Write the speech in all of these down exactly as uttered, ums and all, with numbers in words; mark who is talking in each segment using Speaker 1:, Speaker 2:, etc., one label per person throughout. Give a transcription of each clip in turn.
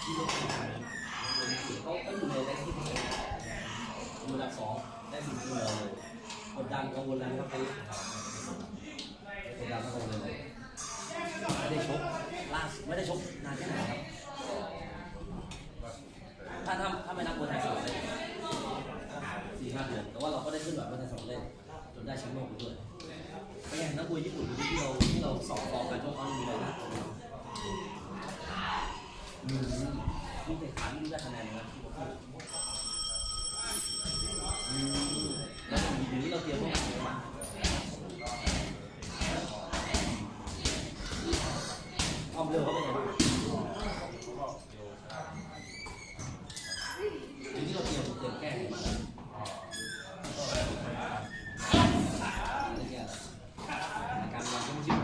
Speaker 1: เขาก็อยู่ในได้ที่อันดับสองได้สิ่งที่เราเลยกดดันกังวลแล้วครับไปกดดันกังวลเลยไม่ได้ชกล่าสุดไม่ได้ชกนานแค่ไหนครับถ้าถ้าถ้าไม่นับมวยไทยสมัครเล่นสี่ห้าเดือนแต่ว่าเราก็ได้ขึ้นแบบมวยไทยสมัครเล่นจนได้แชมป์โลกไปด้วยเป็นไงนักมวยญี่ปุ่นที่เราที่เราสอบฟอร์มการชกเขามีอะไรนะมีมีแต่ขาไม่ได้คะแนนนะแล้วอยู่ที่เราเตรียมพวกอะไรบ้างความเร็วเขาเป็นไงบ้างอยู่ที่เราเตรียมเตรียมแก้ไขบ้างการวางช่วงชีวิต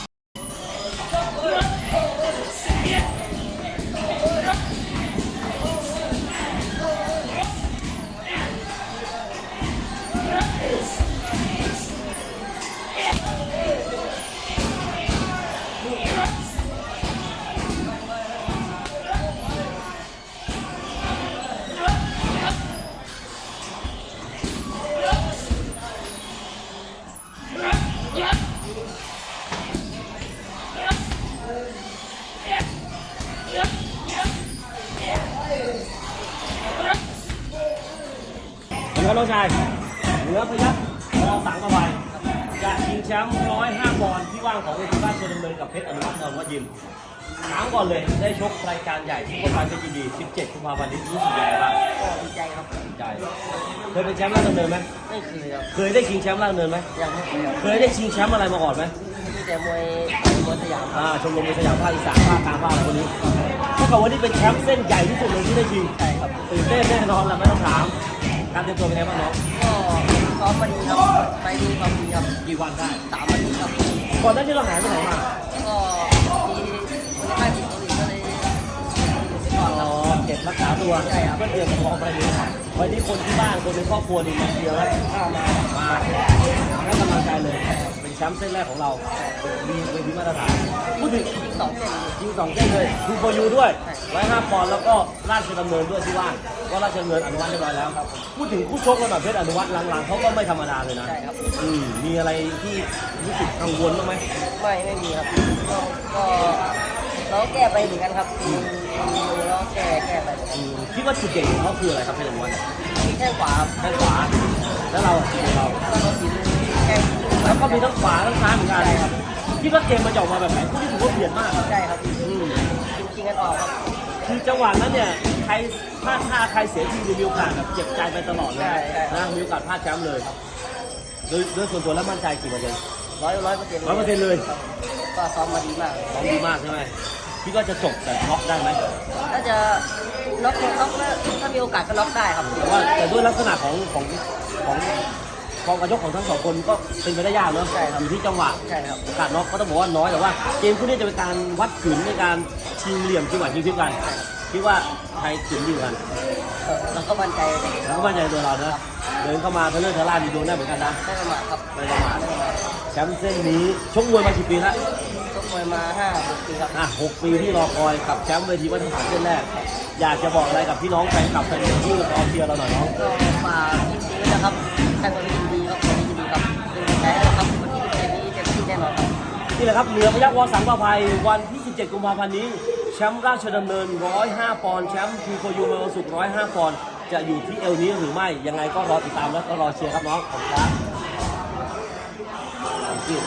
Speaker 1: ครับน้องชายเหนือพยัคฆ์รอสังกะไพจะชิงแชมป์ร้อยห้าปอนด์ที่ว่างของเวทีราชดำเนินกับเพชรอนุวัฒน์นนท์วัดยิมถามก่อนเลยได้ชกรายการใหญ่ที่โคราชเพชรยินดีสิบเจ็ดกุมภาพันธ์นี้รู้สึกยังไงบ้าง
Speaker 2: ก็ดีใจครับ
Speaker 1: ดีใจเคยเป็นแชมป์ราชดำเนินไหม
Speaker 2: ไม่เคยครับ
Speaker 1: เคยได้ชิงแชมป์ราชดำเนินไหม
Speaker 2: ยังไม่เคยครับ
Speaker 1: เคยได้ชิงแชมป์อะไรมาก่อนไหม
Speaker 2: มีแต่มวยมวยสยาม
Speaker 1: อ่าชมรมมวยสยามภาคอีสานภาคกลางภาคอะไรคนนี้ถ้าเกิดว่านี่เป็นแชมป์เส้นใหญ่ที่สุดเลยที่ได้ชิง
Speaker 2: ใช่ครับ
Speaker 1: ตื่นเต้นแน่นอนแหละไม่ต้องถามการเตรียมตัวเป็นไงบ้างน้อง
Speaker 2: ก็ซ้อมมาดีครับไปดีความดีครับ
Speaker 1: กี่วันได้
Speaker 2: สามวันนี้ครับ
Speaker 1: ก่อนหน้านี้เราหายไปไหนมา
Speaker 2: ก็มีคนไข้ติดโควิดก็เลย
Speaker 1: อ๋อเก็บรักษาตัว
Speaker 2: ใช่ครับ
Speaker 1: เพื่อเตรียมพร้อมไปเลยวันนี้คนที่บ้านคนในครอบครัวนี่มาเชียร์แล้วข้ามามาให้กำลังใจเลยเป็นแชมป์เส้นแรกของเรามีเป็นที่มาตรฐานพูดถึง
Speaker 2: ยิงสองเส้น
Speaker 1: ยิงสองเส้นเลยดูโปรยูด้วยร้อยห้าปอนด์แล้วก็ราชดำเนินด้วยที่ว่างว่าราชดำเนินอนุวัฒน์เรียบร้อยแล้วพูดถึงคู่ชกระดับเพชรอนุวัฒน์หลังๆเขาก็ไม่ธรรมดาเลยนะ
Speaker 2: ใช่ครับ
Speaker 1: อืมมีอะไรที่รู้สึกกังวลบ้างไหม
Speaker 2: ไม่ไม่มีครับก็ก็เราแก้ไปเหมือนกันครับมีเราแก้แก้ไป
Speaker 1: คิดว่าจุดเด่นของเขาคืออะไรครับเพชรอนุวัฒน์
Speaker 2: มีแค่ขวาครับ
Speaker 1: แค่ขวาแล้วเราเรา
Speaker 2: แล้วก็มีแค่
Speaker 1: แล้วก็มีทั้งขวาทั้งซ้ายเหมือนกันคิดว่าเกมมันจะออกมาแบบไหนคู่ที่ถือว่าเบียดมาก
Speaker 2: ใช่ครับจริงๆกันออกครับ
Speaker 1: คือจังหวะนั้นเนี่ยใครพลาดท่าใครเสียทีมีโอกาสแบบเจ็บใจไปตลอดเลยนะมีโอกาสพลาดแชมป์เลยโดยโดยส่วนตัวแล้วมั่นใจกี่เปอร์เซ็นต์
Speaker 2: ร้อยร้อยเปอร์เซ็นต์
Speaker 1: ร้อยเปอร์เซ็นต์เลย
Speaker 2: ก็ซ้อมมาดีมาก
Speaker 1: ซ้อมดีมากใช่ไหมคิดว่าจะจบแต่น็อกได้ไหม
Speaker 2: ถ้าจะน็อกน็อกถ้ามีโอกาสก็น็อกได้ครับ
Speaker 1: แต่ว่าแต่ด้วยลักษณะของของของกองกระยกของทั้งสองคนก็เป็นไปได้ยากเนาะอยู่ที่จังหวะโอกาสน็อกก็ต้องบอกว่าน้อยแต่ว่าเกมคู่นี้จะเป็นการวัดขืนในการชิงเหลี่ยมจังหวะชิงทิพกันคิดว่าใครขืนดีกัน
Speaker 2: เราก็มั่นใจ
Speaker 1: เราก็มั่นใจตัวเราเนอะเดินเข้ามาทะเลาะทะล่ามีโดนได้เหมือนกันนะ
Speaker 2: ไม่ประมาทครับ
Speaker 1: ไม่ประมาทแชมป์เส้นนี้ชกมวยมากี่ปีแล้ว
Speaker 2: ชกมวยมาห้าหกปีครับ
Speaker 1: อ่ะหกปีที่รอคอยกับแชมป์เวทีมาตรฐานเส้นแรกอยากจะบอกอะไรกับพี่น้องแฟนคลับแฟนเพลงที่รอเชียร์เราหน่อยน้อง
Speaker 2: ก็ฝากทีมนี้นะครับแข่งกันดีดีครับคนดีดีครับเป็นกำลังใจให้เราครับวันที่เกมนี้เต็มที่แน่นอนครับ
Speaker 1: นี่แหละครับเหนือพยัคฆ์วสังประภัยวันที่สิบเจ็ดกุมภาพันธ์นี้แชมป์ราชดำเนินหนึ่งร้อยห้าปอนด์แชมป์ทีโคยูเมลสุกหนึ่งร้อยห้าปอนด์จะอยู่ที่เอวนี้หรือไม่ยังไงก็รอติดตามและก็รอเชียร์ครับน้องขอบคุณครับ